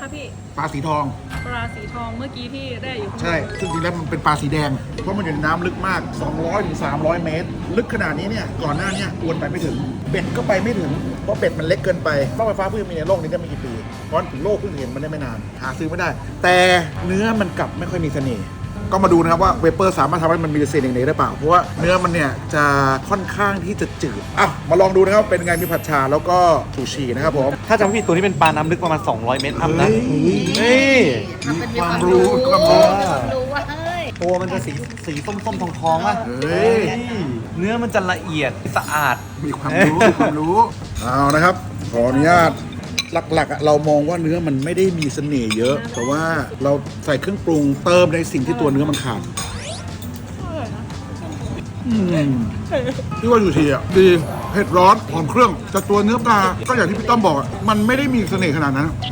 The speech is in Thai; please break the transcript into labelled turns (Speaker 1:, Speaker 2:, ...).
Speaker 1: คะพี่
Speaker 2: ปลาสีทอง
Speaker 1: ปลาสีทองเมื่อกี้ที่ได้อยู่ข้างบน
Speaker 2: ใช่ซึ่งจริงๆแล้วมันเป็นปลาสีแดง เพราะมันอยู่ในน้ำลึกมาก 200 ถึง 300 เมตร ลึกขนาดนี้เนี่ย ก่อนหน้าเนี้อวนไปไม่ถึง เบ็ดก็ไปไม่ถึง เพราะเบ็ดมันเล็กเกินไปรถไฟฟ้าเพิ่งมีในโลกนี้ได้ไม่กี่ปี เพราะถึงโลกเพิ่งเห็นมันได้ไม่นาน หาซื้อไม่ได้ แต่เนื้อมันกลับไม่ค่อยมีเสน่ห์ ก็มาดูนะครับว่าเวเปอร์สามารถทำให้มันมีเสน่ห์ได้เปล่า เพราะว่าเนื้อมันเนี่ยจะค่อนข้างที่จะจืด อ่ะ มาลองดูนะครับ เป็นไงมีผัดชาแล้วก็ซูชินะครับผม
Speaker 3: ถ้าจำไม่ผิดตัวนี้เป็นปลาน้ำลึกประมาณ 200 เมตรอัพนะ
Speaker 2: เฮ้ย
Speaker 3: นี่
Speaker 2: มีความรู้ความรู้
Speaker 4: รู้ว่าเฮ้ย
Speaker 3: ตัวมันจะสีส้มๆทองๆว่ะ
Speaker 2: เฮ้ย
Speaker 3: เนื้อมันจะละเอียดสะอาด
Speaker 2: มีความรู้มีความรู้ เอานะครับ ขออนุญาตหลักๆเรามองว่าเนื้อมันไม่ได้มีเสน่ห์เยอะ แต่ว่าเราใส่เครื่องปรุงเติมในสิ่งที่ตัวเนื้อมันขาดที่ว่าอยู่ทีอ่ะดีเผ็ดร้อนหอมเครื่องแต่ตัวเนื้อปลาก็อย่างที่พี่ต้อมบอกอะมันไม่ได้มีเสน่ห์ขนาดนั้น